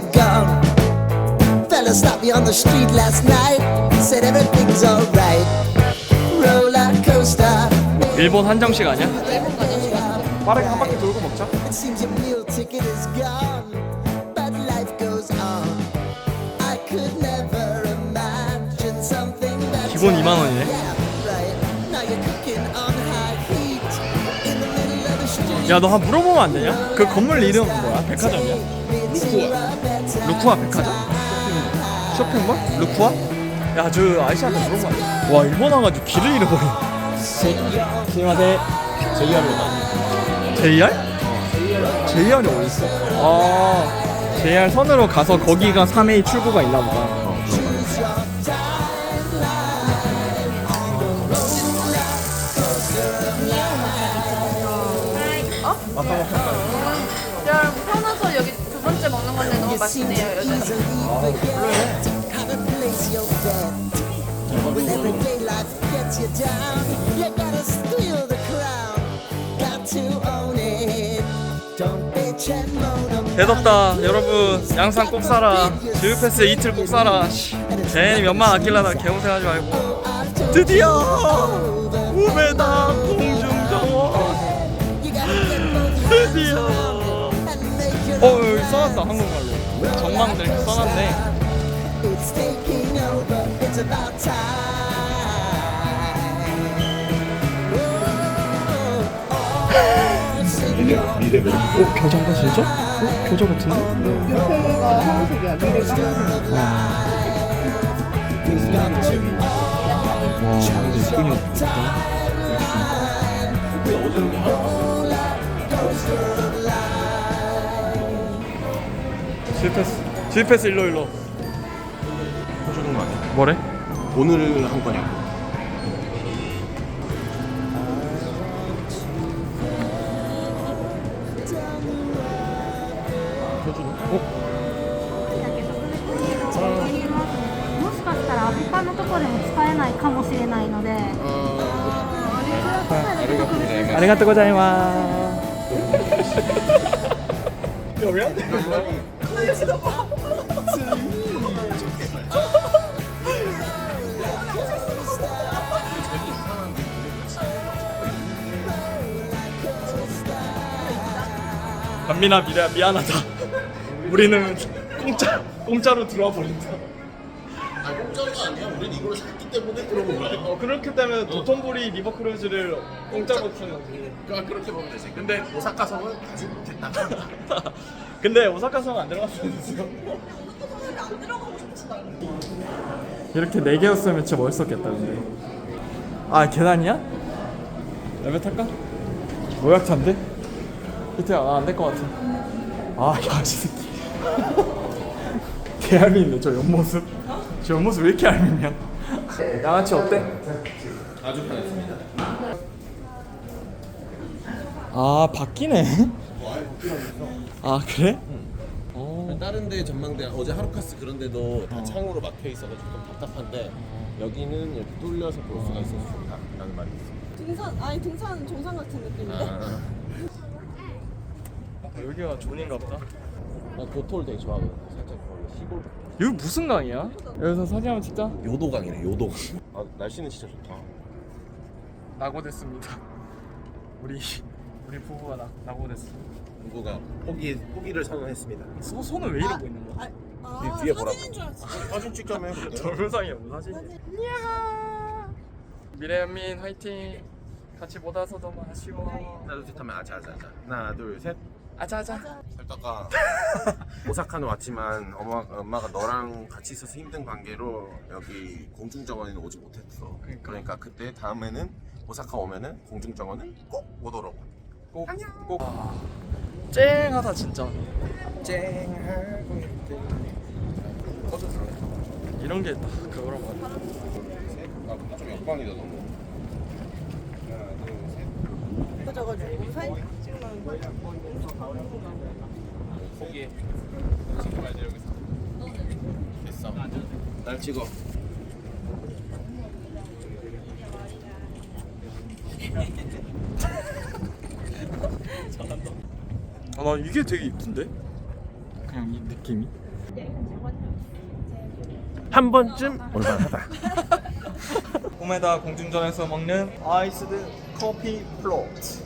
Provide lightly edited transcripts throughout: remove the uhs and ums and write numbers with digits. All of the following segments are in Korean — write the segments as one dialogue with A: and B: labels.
A: gone. Fella stopped me on the street last night. Said everything's alright. Roller coaster.
B: 일본 한정식 아니야? 빠르게 한 바퀴 돌고 먹자.
A: It seems your meal ticket is gone, but life goes on. I could never imagine something better.
B: 기본 2만 원이네.
A: Right. Now you're cooking on high heat in the middle of the street.
B: 야, 너 한 물어보면 안 되냐? 그 건물 이름 뭐야? 백화점이야? 루쿠아 백화점? 쇼핑몰? 루쿠아? 야, 저 아저씨한테 물어보면 안 돼. 와, 일본 와가지고 길을 잃어버려. 스미마세. JR로다. JR? JR이 어딨어? 아, JR 선으로 가서 거기가 3A 출구가 있나 보다.
C: 야, 태어나서 여기 두 번째 먹는 건데 너무 맛있네요, 여전히.
A: Have a place your bet. When everyday life gets you down, you gotta steal the crown. Got to own it. Don't bitch and moan about
B: 대덥다. 여러분, 양산 꼭 사라. 지우패스 이틀 꼭 사라. 괜히 몇만 아끼려다 개고생하지 말고. 드디어 우메다 공중정원. 드디어. 여기 써놨다, 한국말로. 전망들 이렇게 써놨네.
A: it's taking over. It's about time.
B: 겨자인가 진짜? 겨자 같은데?
C: 옆에가 하얀색이야, 미래 하얀색.
B: 와, 근데 느낌이 없다. 지우패스 일로.
D: 해주는 거 아니야?
B: 뭐래?
D: 오늘 한 거냐고.
B: 어?
E: もしかしたら他のところでも使えないかもしれないので、
B: ありがとうございます여기야? 반민아 미안하다. 우리는 공짜로 들어와 버린다.
D: 아 공짜가 아니야. 우린 이걸 샀기 때문에 들어본 거야.
B: 그렇기 때문에 도톤보리 리버크루즈를 공짜로 타는 거지.
D: 그러니까 그렇게 보면 되지. 근데 오사카성은 가지 못했다.
B: 근데 오사카성 안 들어갔으면 됐어. 이렇게 4개였으면 진짜 멋있었겠다. 근데 아, 계단이야? 레벨 탈까? 노약자인데? 히트야, 안 될 것 같아. 아, 야, 이 새끼 개알미네. 저 옆모습. 저 옆모습 왜 이렇게 알미냐. 양아치 어때?
D: 아주 편했습니다.
B: 아, 바뀌네. 아, 그래?
D: 다른데 전망대 어제 하루카스 그런데도 다 창으로 막혀 있어가지고 좀 답답한데 여기는 이렇게 뚫려서 볼 수가 있어서 좋다라는 말이 있어.
C: 등산 정상 같은 느낌인데?
B: 여기가 존인가 보다.
D: 나 도토를 되게 좋아하거든. 살짝 거기 시골.
B: 여기 무슨 강이야? 여기서 사진 한번 찍자.
D: 요도강이네 요도강. 아 날씨는 진짜 좋다.
B: 낙오됐습니다. 우리 부부가 낙오됐어.
D: 누구가 포기를 선언했습니다.
B: 손을 왜 이러고 있는 거야?
D: 이 뒤에 보라고. 사진 찍자며.
B: 동영상이야, 뭐 사진이? 미래연민 화이팅. 같이 못 와서 너무 아쉬워.
D: 하나 둘 셋 하면 아자아자. 하나 둘 셋.
B: 아자아자.
D: 살다가 오사카는 왔지만 엄마가 너랑 같이 있어서 힘든 관계로 여기 공중정원에는 오지 못했어. 그러니까 그때 다음에는 오사카 오면은 공중정원은 꼭 오도록.
B: 꼭. 쨍하다 진짜.
D: 쨍하고 있대. 꺼졌어.
B: 이런 게 딱 그거란 말이야.
D: 아, 좀 역광이다 너무. 하나 둘 셋.
C: 꺼져가지고 사진 찍으면
D: 포기해. 찍어야지 여기서. 됐어. 날 찍어.
B: 아, 나 이게 되게 이쁜데? 그냥 이 느낌이.
D: 한 번쯤 올만하다.
B: 우메다 공중전에서 먹는 아이스드 커피 플로트.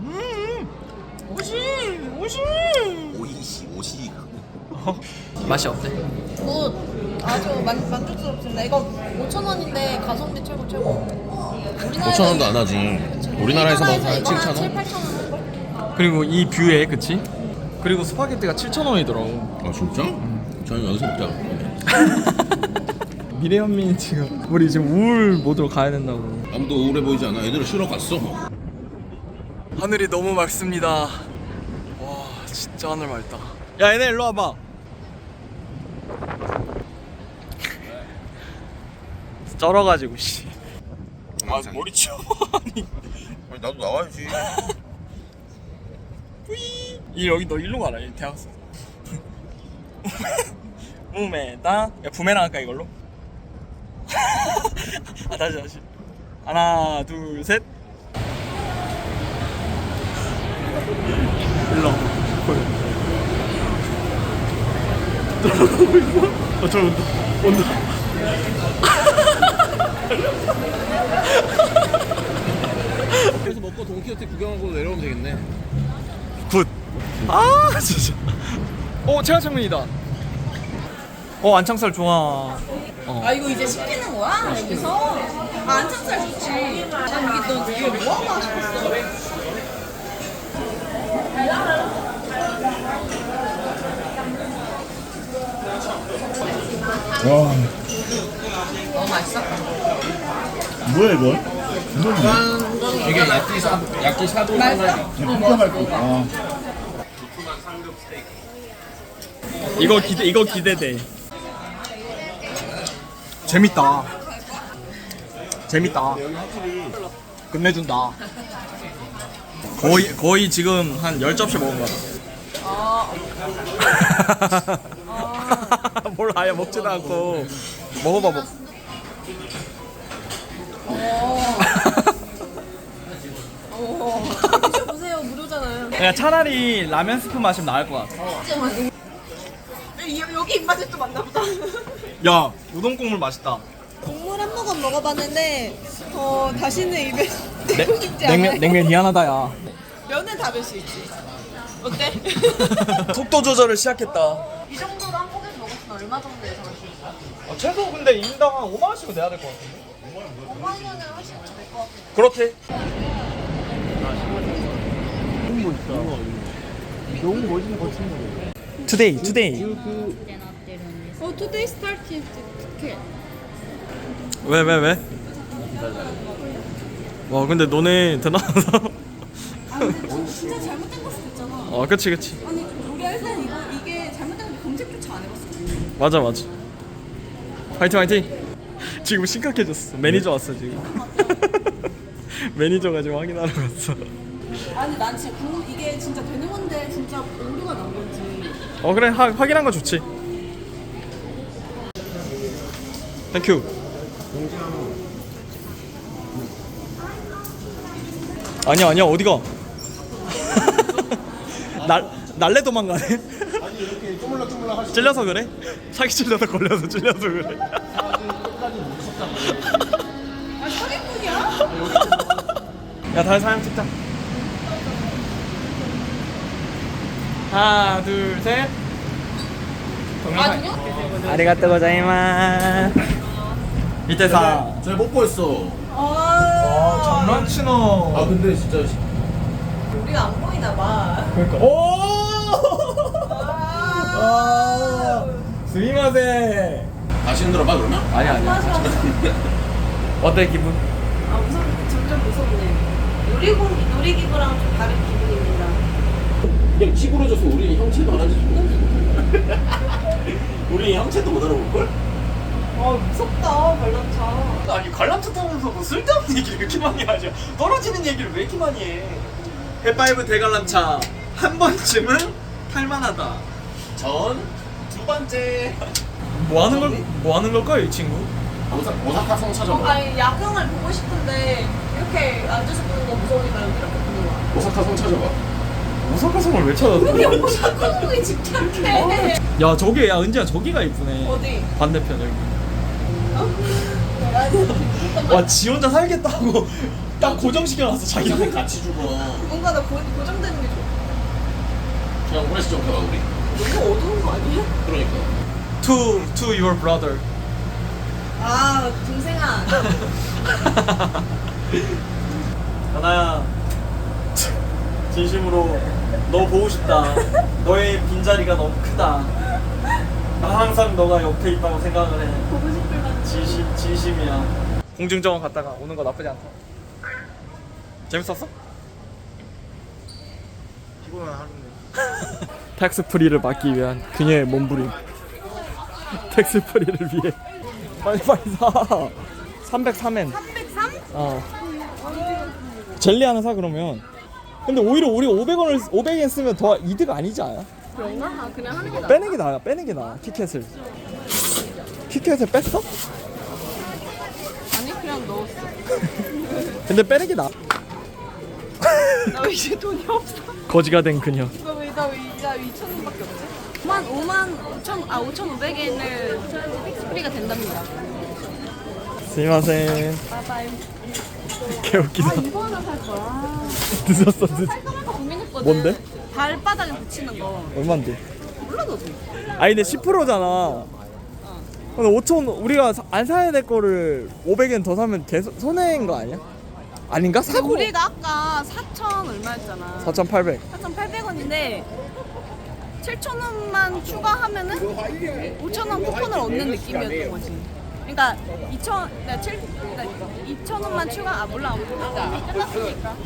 D: 오이시.
B: 맛이 어때?
C: 아주 만족스럽습니다. 이거 5,000원인데 가성비 최고.
D: 5,000원도 안 하지. 우리나라에서 먹으면 한 7,000원?
C: 7, 8,000원.
B: 그리고 이 뷰에 그치? 그리고 스파게티가 7,000원이더라고.
D: 아 진짜? 저희 여기서 먹자.
B: 미래현민이 지금 우리 지금 우울 모드로 가야 된다고.
D: 아무도 우울해 보이지 않아. 애들은 쉬러 갔어.
B: 하늘이 너무 맑습니다. 와 진짜 하늘 맑다. 야 얘네 일로 와봐. 쩔어가지고 씨. 아 머리 치워. 아니
D: 나도 나와야지.
B: 이 여기 너 일로 가라 이 대학생. 우메다. 야 부메랑 할까 이걸로? 아 다시. 하나 둘 셋. 일로 와. 들어가고 있어? 저 온다.
D: 그래서 먹고 돈키호테 구경하고 내려오면 되겠네.
B: 굿. 아 진짜. 체화창문이다. 안창살 좋아.
C: 아 이거 이제 시키는 거야? 여기서? 아 안창살 좋지. 난 이게 너 이거 뭐 하고 싶었어?
F: 와,
C: 너무 맛있어?
F: 뭐야 이거?
D: 이게 야끼사도
C: 맛있어?
F: 진짜 맛있다. 아,
B: 이거 기대돼. 재밌다. 끝내준다. 거의 지금 한 10접시 먹은 거 같아. 뭘 아예 먹지도 않고. 먹어봐.
C: 보세요 무료잖아요.
B: 야 차라리 라면 스프 마시면 나을 것 같아.
C: 여기 입맛에 또 맞나 보다.
B: 야 우동 국물 맛있다.
C: 국물 한 모금 먹어봤는데 다시는 입에 넣고 싶지 않아요.
B: 냉면 미안하다 야.
C: 면은 다 뵐 수 있지. 어때?
B: 속도 조절을 시작했다.
C: 이 정도로 한 포기를 먹었으면 얼마 정도 예상할 수 있어?
B: 최소 근데 인당 한 5만 원씩은 내야 될 것 같은데.
C: 5만원은 훨씬 될것 같은데.
B: 그렇게. 투데이.
C: 투데이 스타트 티켓.
B: 왜? 와 근데 너네 대단하다.
C: 진짜 잘못된 걸 수도 있잖아.
B: 그치.
C: 아니 우리 회사는 이게 잘못된 거 검색조차 안 해봤어.
B: 맞아. 화이팅. 지금 심각해졌어. 매니저 왔어 지금. 매니저가 지금 확인하러 갔어.
C: 아니 난 지금 이게 진짜 되는 건데 진짜 오류가 난 건지.
B: 그래 확인한 거 좋지. 땡큐. 아니야 어디가? 날래 도망가네.
D: 아니 이렇게 쪼물락쪼물락 하시.
B: 찔려서 그래? 사기 찔려서 걸려서 찔려서 그래.
C: 아 사기꾼이야?
B: 야 다시 사진 찍자. 하나 둘 셋. 동영상. 아리가또 고자이마스. 이때사.
D: 잘 못 보였어.
B: 장난치나.
D: 근데 진짜
C: 우리가 안 보이나 봐.
B: 그러니까. 스미마세.
D: 다시 흔들어봐 그러면?
B: 아니야. 어때 기분?
C: 아 점점 무섭네. 놀이기구랑 좀 다른 기분입니다.
D: 그냥 찌그러져서 우리 형체도 알아주지 못해. 우리 형체도 못 알아볼걸?
C: 무섭다 관람차.
B: 아니 관람차 타면서 뭐 쓸데없는 얘기를 왜 이렇게 많이 하죠? 떨어지는 얘기를 왜 이렇게 많이 해? 해파이브 대관람차 한 번쯤은 탈만하다.
D: 전 두 번째
B: 뭐 하는 걸까요 이 친구?
D: 오사카 성차전.
C: 아니 야경을 보고 싶은데 이렇게 앉아서 보는 거 무서우니까 이렇게 보는 거야.
D: 오사카 성차전.
B: 오사카 성을 왜 찾았어?
C: 그게 오사카 성에 집착해.
B: 야 저기 야 은지야 저기가 이쁘네.
C: 어디?
B: 반대편 여기. 와 지 혼자 살겠다고 딱 고정시켜놨어 자기랑
D: 같이 죽어.
C: 뭔가 나 고정되는 게 좋아.
D: 그냥 오래서 좀 해봐 우리.
C: 너무 어두운 거 아니야?
D: 그러니까.
B: To your brother.
C: 아 동생아.
B: 하나야 진심으로 너 보고 싶다. 너의 빈자리가 너무 크다. 나 항상 너가 옆에 있다고 생각을 해.
C: 보고 싶을 만.
B: 진심이야. 공중정원 갔다가 오는 거 나쁘지 않다. 재밌었어?
D: 피곤한 하루네.
B: 텍스 프리를 막기 위한 그녀의 몸부림. 텍스 프리를 위해 빨리 사. 303엔.
C: 303?
B: 어. 젤리 하나 사 그러면. 근데 오히려 우리 500엔 쓰면 더 이득 아니지 않아?
C: 그런가? 아 그냥 하는 게 나아.
B: 빼는 게 나아. 빼는 게 나아. 티켓을. 티켓을 뺐어?
C: 아니 그냥 넣었어.
B: 근데 빼는 게 나아.
C: 나 이제 돈이 없어.
B: 거지가 된 그녀.
C: 나왜 2,000원밖에 없지? 5,500엔을 픽스프리가 된답니다.
B: 스미마셍.
C: 바이바이.
B: 개웃기다.
C: 이거 하나 살 거야.
B: 늦었어.
C: 살까 말까 고민했거든.
B: 뭔데?
C: 발바닥에 붙이는 거.
B: 얼만데?
C: 몰라 너도.
B: 아니 근데 10%잖아. 근데 5천 우리가 안 사야 될 거를 500엔 더 사면 계속 손해인 거 아니야? 아닌가?
C: 근데
B: 사고
C: 우리가 아까 4,000 얼마였잖아.
B: 4,800.
C: 4,800원인데 7,000원만 추가하면은 5,000원 쿠폰을 얻는 느낌이었던 거지. 그러니까 2,000원만 추가. 아 몰라. 이미 끝났으니까.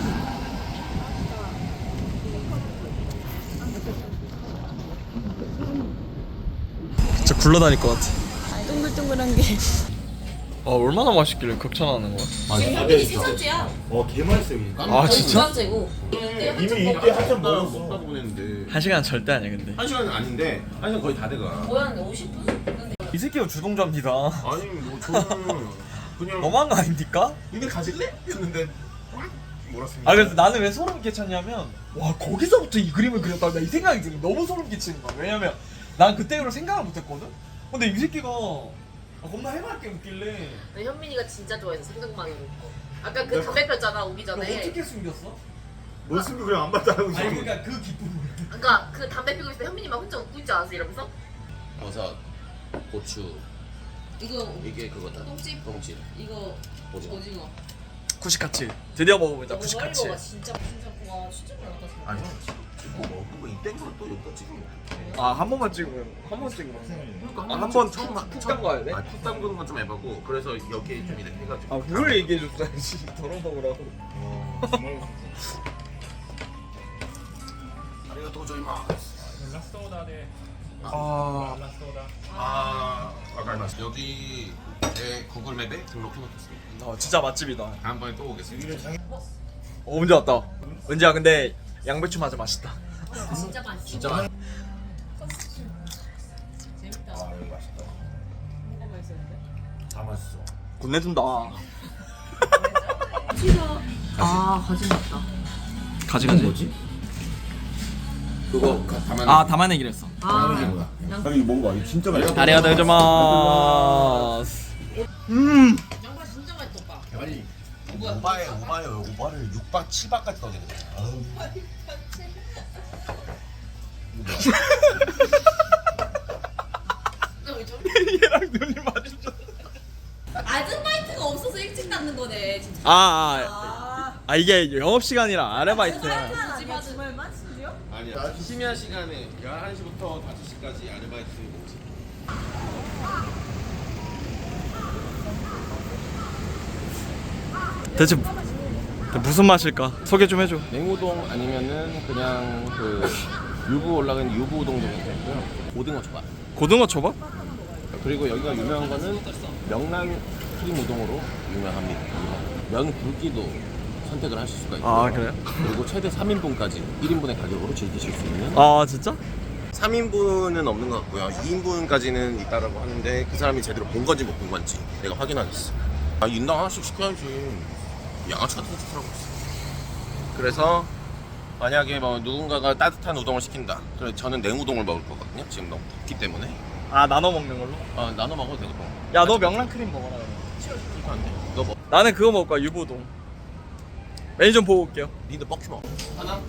B: 진짜 굴러다닐 것 같아.
C: 동글동글한 게.
B: 아 얼마나 맛있길래 극찬하는 거야?
C: 현빈이 세 번째야.
F: 개 맛있어요. 이게.
B: 아 진짜?
C: 번째고.
F: 이미 이때 한잔 먹었어.
D: 먹다 보냈는데.
B: 1시간 절대 아니야 근데.
D: 1시간은 아닌데 1시간 거의 다 돼가.
C: 뭐였는데 50분?
B: 이 새끼가 주동자입니다.
D: 아니 뭐 저는 그냥
B: 너무한 거 아닙니까?
D: 근데 가실래? 했는데 몰았습니다.
B: 아 그래서 나는 왜 소름 끼쳤냐면 와 거기서부터 이 그림을 그렸다고 나 이 생각이 들어. 너무 소름 끼치는 거야. 왜냐면 난 그때로 생각을 못했거든. 근데 이 새끼가 겁나 해맑게 웃길래.
G: 나 현민이가 진짜 좋아해서 생각만으로. 아까 그 담배 폈잖아 오기
B: 너
G: 전에.
B: 어떻게 숨겼어?
F: 너 숨기 그냥 안 봤다고
B: 아니 그러니까 그 기쁨을.
G: 아까 그 담배 피고 있을 때 현민이 막 혼자 웃고 있지 않았어 이러면서?
D: 버섯, 고추
G: 이거
D: 이게 그거다.
G: 똥집?
D: 똥집.
G: 이거
D: 오징어.
G: 오징어.
B: 구시카츠 드디어 먹어보자.
G: 너무
B: 구시카츠.
G: 멀리 먹어 진짜 와 진짜 많았다 진짜.
D: 아니 지금 먹은 거이 땡으로 또 여기다 찍으면 어떡해.
B: 아 한 번만 찍으면 한 번 찍으면.
D: 그러니까
B: 아, 한번 푹 담가야 돼?
D: 푹 담그는 건 좀 에바고 그래서 여기에 좀 이렇게 해가지고.
B: 아 그걸 얘기해 줬어야지. 덜어 먹으라고.
D: 아리가또 고자이마스.
B: 아
D: 아까이마스. 여기 제 구글 맵에 등록해놓겠습니다.
B: 진짜 맛집이다.
D: 다음번에 또 오겠습니다.
B: 언제 왔다. 은지야 근데 양배추 맞아 맛있다.
G: 진짜 맛있어.
D: 진짜 많이.
G: 재밌다.
F: 아 여기 맛있다.
G: 뭐가 맛있었는데?
F: 다 맛있어.
B: 군내준다.
G: 아 가지 맞다.
B: 가지.
D: 그거 담아내.
B: 아 담아내기로 했어.
G: 아
F: 이게 뭐야? 이거 뭔가 이거 진짜 맛있어.
B: 아리가토 고자이마스.
G: 양파 진짜 맛있다 오빠.
F: 아니
D: 오바를 6박 7박까지 떠지는 거야.
B: 얘랑 눈이 마주쳐.
G: 아르바이트가 없어서 일찍 닫는 거네 진짜.
B: 아 이게 영업 시간이라 아르바이트야.
C: 주말만 심지어?
D: 아니야. 심야 시간에 11시부터 5시까지 아르바이트 모집.
B: 대체 무슨 맛일까? 소개 좀 해줘.
D: 냉우동 아니면은 그냥 그 유부 올라간 유부 우동 정도 되고요. 고등어 초밥.
B: 고등어 초밥?
D: 그리고 여기가 유명한 거는 명란 크림 우동으로 유명합니다. 면 굵기도 선택을 하실 수가 있고요.
B: 아 그래요?
D: 그리고 최대 3인분까지 1인분의 가격으로 즐기실 수 있는.
B: 아 진짜?
D: 3인분은 없는 것 같고요. 2인분까지는 있다라고 하는데 그 사람이 제대로 본 건지 못 본 건지 내가 확인하겠어. 아 인당 하나씩 시켜야지. 양아치 같은 짓 하고 있어. 그래서 만약에 뭐 누군가가 따뜻한 우동을 시킨다. 그래 저는 냉우동을 먹을 거거든요. 지금 너무 덥기 때문에.
B: 아 나눠 먹는 걸로?
D: 나눠 먹어도 되고.
B: 야 너 명란 크림 먹어라 그럼.
D: 이거 안 돼. 너 뭐?
B: 나는 그거 먹을 거야 유부동. 메뉴 좀 보고 올게요.
D: 니도 뻑큐 먹어. 하나.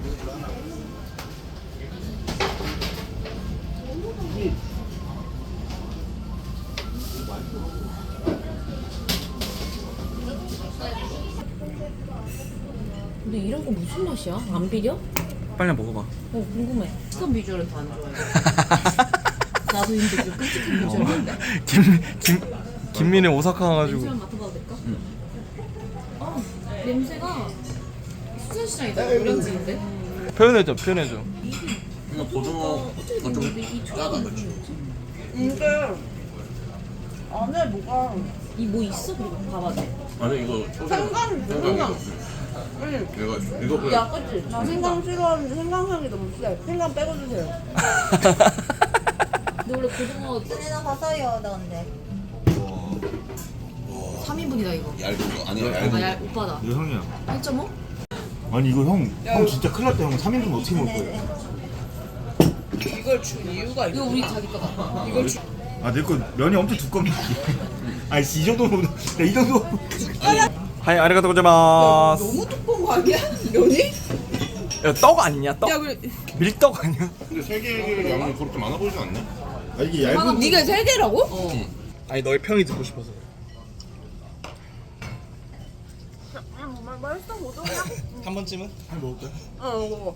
G: 근데 이런 거 무슨 맛이야? 안 비려?
B: 빨리 먹어봐.
G: 궁금해. 어떤 비주얼은 다 안 좋아해. 나도 근데 그 끔찍한 비주얼인데.
B: 김민희 오사카 가가지고.
G: 냄새 한번 맡아봐도 될까? 냄새가 수산시장이다. 노량진인데?
B: 표현해줘.
D: 이거 고등어 좀 짜다 그렇지.
C: 이게 안에 뭐가
G: 이 뭐 있어? 그리고 봐봐.
D: 아니 이거
C: 생강 생강.
D: 이거 그래.
G: 야, 그치?
C: 나 생강 싫어하는데 생강향이 너무 세. 생강 빼고 주세요.
G: 근데 원래 고등어 3인분이다 이거.
D: 얇은 거 아니야
F: 얇은 거.
G: 야, 오빠다.
F: 이거 형이야.
G: 1.5?
F: 아니 이거 형 진짜 큰일 났다. 형 3인분 어떻게 먹을 거예요?
C: 이걸 준 이유가
G: 이거 우리 자기 거다.
C: 이걸 준
F: 아 내 거 면이 엄청 두껍네. 아니 이 정도면 이 정도.
B: 하이 아리가토 고자마스.
C: 너무 두꺼운 거 아니야? 면이?
B: 야떡 아니냐 떡?
C: 야 그래.
B: 밀떡 아니야?
D: 근데 세 개의 양이 그렇게 많아 보이지 않네?
F: 아 이게 얇은.
C: 네가 세 개라고?
B: 아니 너의 평이 듣고 싶어서.
C: 맛있어 고등어야?
B: 한 번쯤은?
F: 한 먹을까?
C: 먹어.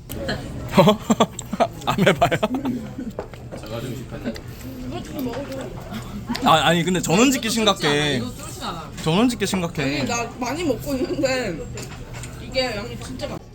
B: 안 해봐요? 아니 근데 전원짓기 심각해. 전원짓기 심각해.
C: 나 많이 먹고 있는데 이게 양이 진짜 많아.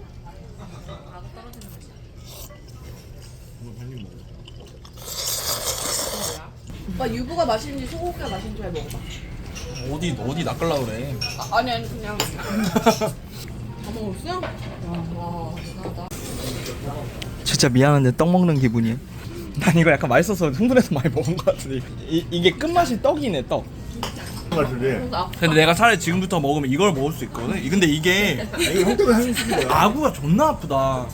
C: 오빠 유부가 맛있는지 소고기가 맛있는지 잘 먹어봐.
B: 어디 낚으려고 그래.
C: 아니 그냥 다 먹었어? 와 대단하다.
B: 진짜 미안한데 떡 먹는 기분이야. 난 이거 약간 맛있어서 흥분해서 많이 먹은 것 같은데 이게 끝맛이 떡이네 떡.
F: 같은데.
B: 근데 내가 차라리 지금부터 먹으면 이걸 먹을 수 있거든. 근데 이게
F: 이거 형 때문에 하는 거야.
B: 아구가 존나 아프다.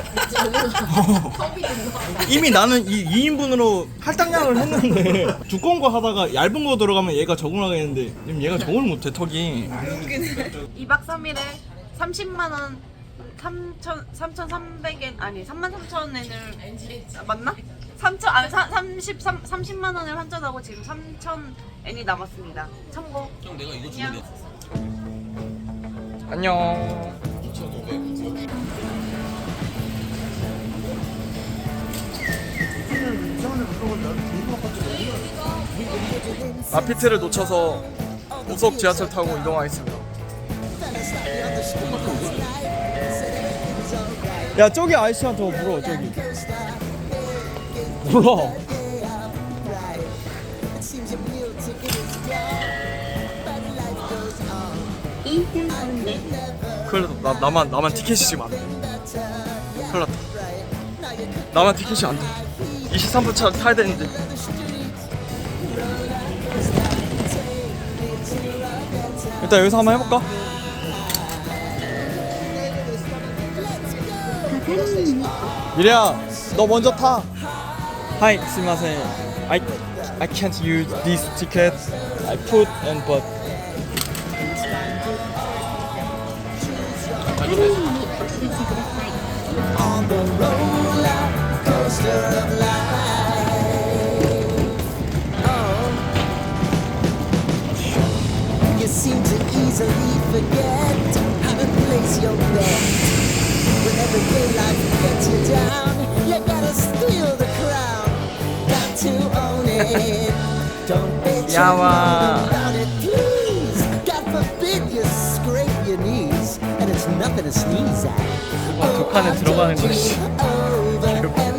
B: 이미 나는 이 2인분으로 할당량을 했는데 두꺼운 거 하다가 얇은 거 들어가면 얘가 적응하겠는데 지금 얘가 적응을 못해 턱이.
H: 2박 3일에 30만 원 3,300엔 아니 33,000엔을 맞나? 30만 원을 환전하고 지금 3,000엔이 남았습니다. 참고.
D: 형 내가 이거 주면 돼.
B: 안녕. 마피트를 놓쳐서 고속 지하철 타고 이동하겠습니다. 야 저기 아저씨한테 물어 저기. 몰라. 큰일 났다. 나만 티켓이 지금 안 돼. 큰일 났다. 나만 티켓이 안 돼. 23분 차 타야 되는데. 일단 여기서 한번 해볼까? 미래야, 너 먼저 타. Hi, 스미마셍. I can't use this ticket. I put and but.
A: On the roller coaster of life. Oh, you seem to easily forget how to place your bet. When every day life gets you down, you gotta steal the crown. Got to own it. Don't bet your
B: Yawa.
A: money on it, please. God forbid you scrape your knees, and it's nothing to sneeze at.
B: 와, 그 칸에 들어가는 것이.
A: Over and